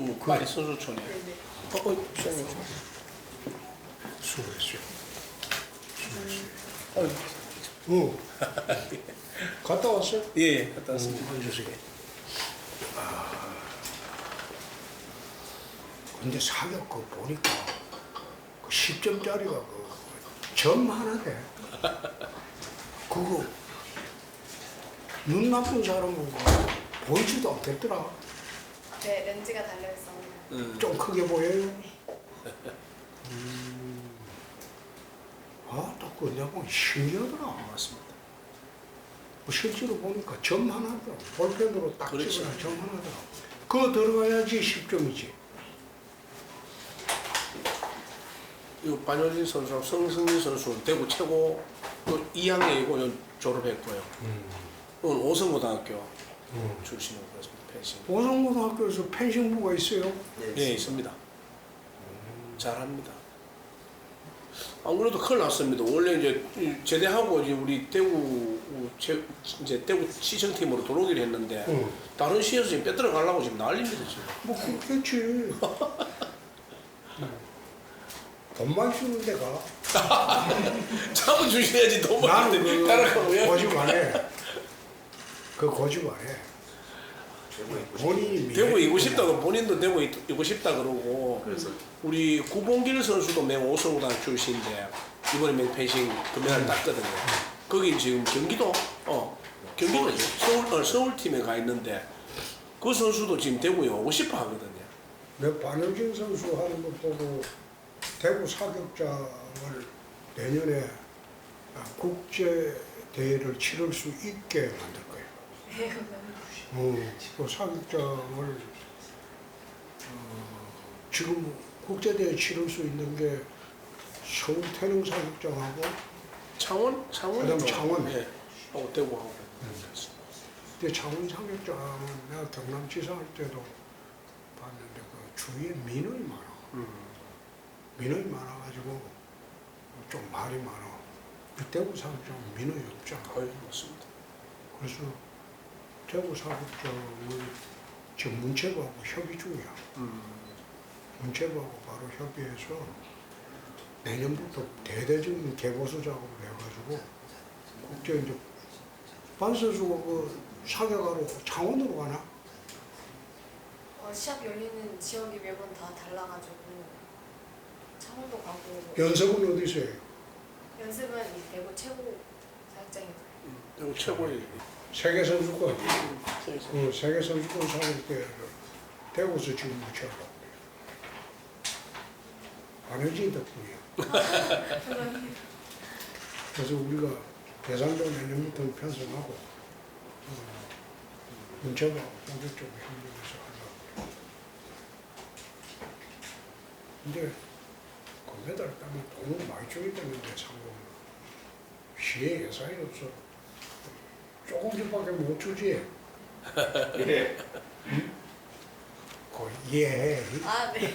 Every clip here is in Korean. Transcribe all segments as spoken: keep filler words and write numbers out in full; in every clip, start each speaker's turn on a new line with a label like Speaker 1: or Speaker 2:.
Speaker 1: 뭐 빨리 선수촌에.
Speaker 2: 네네.
Speaker 1: 어, 어, 수고하세요.
Speaker 3: 수고했어요.
Speaker 1: 어,
Speaker 3: 응. 갔다 왔어요?
Speaker 1: 예, 예, 갔다 왔습니다.
Speaker 3: 응, 주세요. 근데 사격 그 보니까 그 십 점짜리가 그 점 하나 돼. 그거 눈 나쁜 사람은 보이지도 않겠더라.
Speaker 2: 네, 렌즈가 달려있어.
Speaker 1: 음.
Speaker 3: 좀 크게 보여요. 음. 아, 또 그거 내가 보니 신기하더라.
Speaker 1: 맞습니다.
Speaker 3: 뭐 실제로 보니까 점 하나더라. 볼펜으로 딱
Speaker 1: 그렇죠.
Speaker 3: 찍어야 점 하나더라. 그거 들어가야지 십 점이지.
Speaker 1: 이 반효진 선수랑 성승민 선수는 대구 최고 또 이 학년이고 졸업했고요.
Speaker 3: 음.
Speaker 1: 오늘 오성고등학교
Speaker 3: 음.
Speaker 1: 출신으로 그렇습니다. 펜싱.
Speaker 3: 오성고등학교에서 펜싱부가 있어요.
Speaker 1: 예, 있습니다. 잘합니다. 안 그래도 큰일 났습니다. 원래 이제 제대하고 이제 우리 대구 제, 이제 대구 시청팀으로 들어오기로 했는데
Speaker 3: 응.
Speaker 1: 다른 시에서 지금 빼들어 가려고 지금 난립니다 지금.
Speaker 3: 뭐 그렇겠지. 돈만 주는 데가.
Speaker 1: 잡아 주셔야지 돈
Speaker 3: 나는
Speaker 1: 많은데
Speaker 3: 그
Speaker 1: 따라가고 왜?
Speaker 3: 고집 안 해. 그 고집 안 해. 본인이
Speaker 1: 대구
Speaker 3: 미래-
Speaker 1: 이고 싶다고 본인도 대구 이고 싶다 그러고
Speaker 4: 그래서
Speaker 1: 우리 구봉길 선수도 맹 오성고등학교 출신인데 이번에 맹 펜싱 금메달 땄거든요. 거기 지금 경기도 어 경기도 서울 어, 서울 팀에 가 있는데 그 선수도 지금 대구에 오고 싶어 하거든요.
Speaker 3: 내 반효진 선수 하는 거 보고 대구 사격장을 내년에 국제 대회를 치를 수 있게 만들 거예요.
Speaker 2: 네, 감사합니다.
Speaker 3: 어, 그 사격장을 어, 지금 국제 대회 치를 수 있는 게 서울 태릉 사격장하고
Speaker 1: 창원 창원
Speaker 3: 그다음 창원.
Speaker 1: 예 하고 대구하고
Speaker 3: 근데 창원 사격장은 내가 경남지사 할 때도 봤는데 그 주위에 민원이 많아.
Speaker 1: 음.
Speaker 3: 민원이 많아가지고 좀 말이 많아. 그 대구 사격장은 민원이 없잖아.
Speaker 1: 거의 맞습니다.
Speaker 3: 그래서 대구 사격장을 지금 문체부하고 협의 중이야.
Speaker 1: 음.
Speaker 3: 문체부하고 바로 협의해서 내년부터 대대적인 개보수 작업을 해가지고 국제 이제 반 선수가 그 사격하러 창원으로 가나?
Speaker 2: 어, 시합 열리는 지역이 매번 다 달라가지고 창원도 가고
Speaker 3: 연습은 어디서 해요?
Speaker 2: 연습은 이 대구 최고 사격장에서.
Speaker 1: 대구 최고의
Speaker 3: 세계 선수권.
Speaker 1: 음.
Speaker 3: 그 세계 선수권 사격대회를 대구에서 지금 무치하고 안효진 덕분이야. 그래서 우리가 대상도 내년부터 편성하고 어, 문체부하고 공개 쪽에 협력해서 하려고. 근데 금메달 따면 돈을 많이 주기 때문에 상금 시에 예산이 없어. 조금씩밖에 못 주지.
Speaker 4: 예.
Speaker 3: 그 예.
Speaker 2: 아, 네.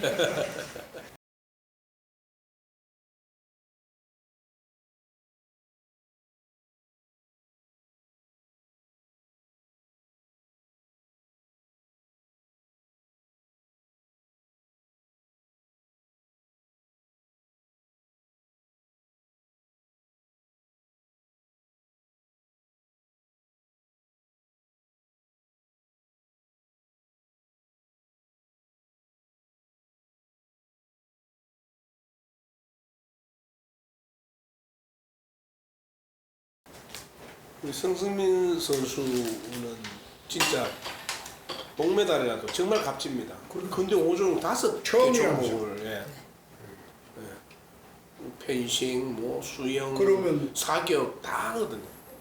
Speaker 1: 우리 성승민 선수는 진짜 동메달이라도 정말 값집니다. 근데 오종 다섯 개
Speaker 3: 처음이라면서.
Speaker 1: 종목을 예. 예. 펜싱, 뭐 수영,
Speaker 3: 그러면
Speaker 1: 사격 다 하거든요.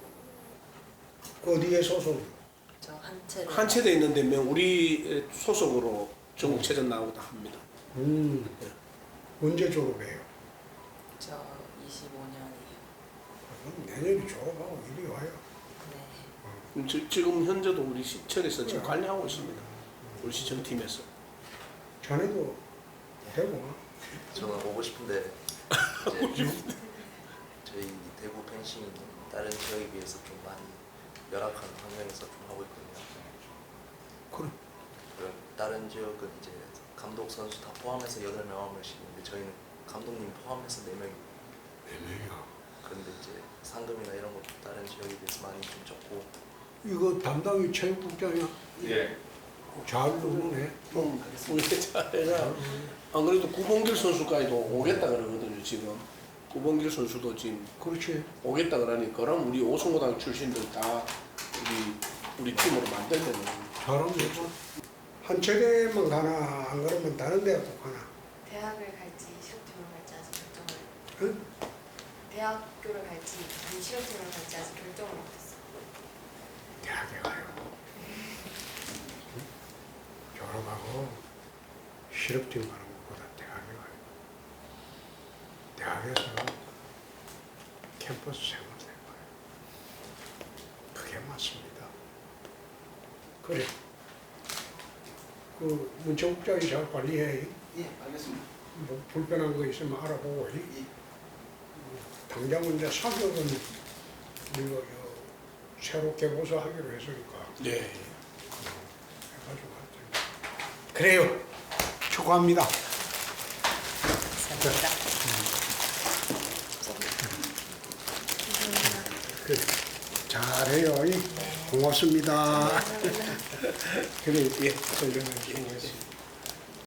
Speaker 3: 어디에 소속?
Speaker 2: 저 한채.
Speaker 1: 한 체대 있는데 명 우리 소속으로 전국체전 나오고 다 합니다.
Speaker 3: 음.
Speaker 1: 예.
Speaker 3: 언제 졸업해요?
Speaker 5: 저 이십오 년이요.
Speaker 3: 그럼 내년에 졸업하고 이리 와요.
Speaker 5: 네.
Speaker 1: 음, 지- 지금 현재도 우리 시청에서 지금
Speaker 3: 네.
Speaker 1: 관리하고 있습니다. 우리 시청팀에서.
Speaker 3: 자네도 되고.
Speaker 4: 저는 오고 싶은데 이제 저희 대구 펜싱이 다른 지역에 비해서 좀 많이 열악한 환경에서 좀 하고 있거든요.
Speaker 3: 그래.
Speaker 4: 그런 다른 지역은 이제 감독 선수 다 포함해서 여덟 명 아홉 명씩인데 저희는 감독님 포함해서 네 명이
Speaker 3: 네 명이야.
Speaker 4: 그런데 이제 상금이나 이런 것도 다른 지역에 비해서 많이 좀 적고
Speaker 3: 이거 담당이 체육국장이야.
Speaker 1: 예.
Speaker 3: 잘 노네.
Speaker 1: 음, 우리 차례가 안 그래도 구봉길 선수까지도 오겠다 그러거든요 지금. 구봉길 선수도 지금
Speaker 3: 그렇지.
Speaker 1: 오겠다 그러니 그럼 우리 오성고등 출신들 다 우리 우리 팀으로 만들면
Speaker 3: 잘하면 되죠. 한 체대만 가나 안 그러면 다른 대학도 가나.
Speaker 2: 대학을 갈지 실업팀을 갈지 아직 결정을
Speaker 3: 응?
Speaker 2: 대학교를 갈지 아니 실업팀을 갈지 아직 결정을 못했어.
Speaker 3: 대학에 가요. 응? 졸업하고 실업팀 가는 것보다 대학에 가요. 대학에서 캠퍼스 생활 될 거예요. 그게 맞습니다. 그래. 그 문체국장이 잘 관리해.
Speaker 4: 예 알겠습니다.
Speaker 3: 뭐 불편한 거 있으면 알아보고.
Speaker 4: 예.
Speaker 3: 당장은 이제 사격은 우리가 저 새롭게 보수하기로 했으니까
Speaker 1: 네.
Speaker 3: 해가지고 하여튼. 그래요. 축하합니다.
Speaker 5: 감사합니다.
Speaker 3: 그래. 잘해요. 고맙습니다. 그래, 예, 선생님, 고맙습니다.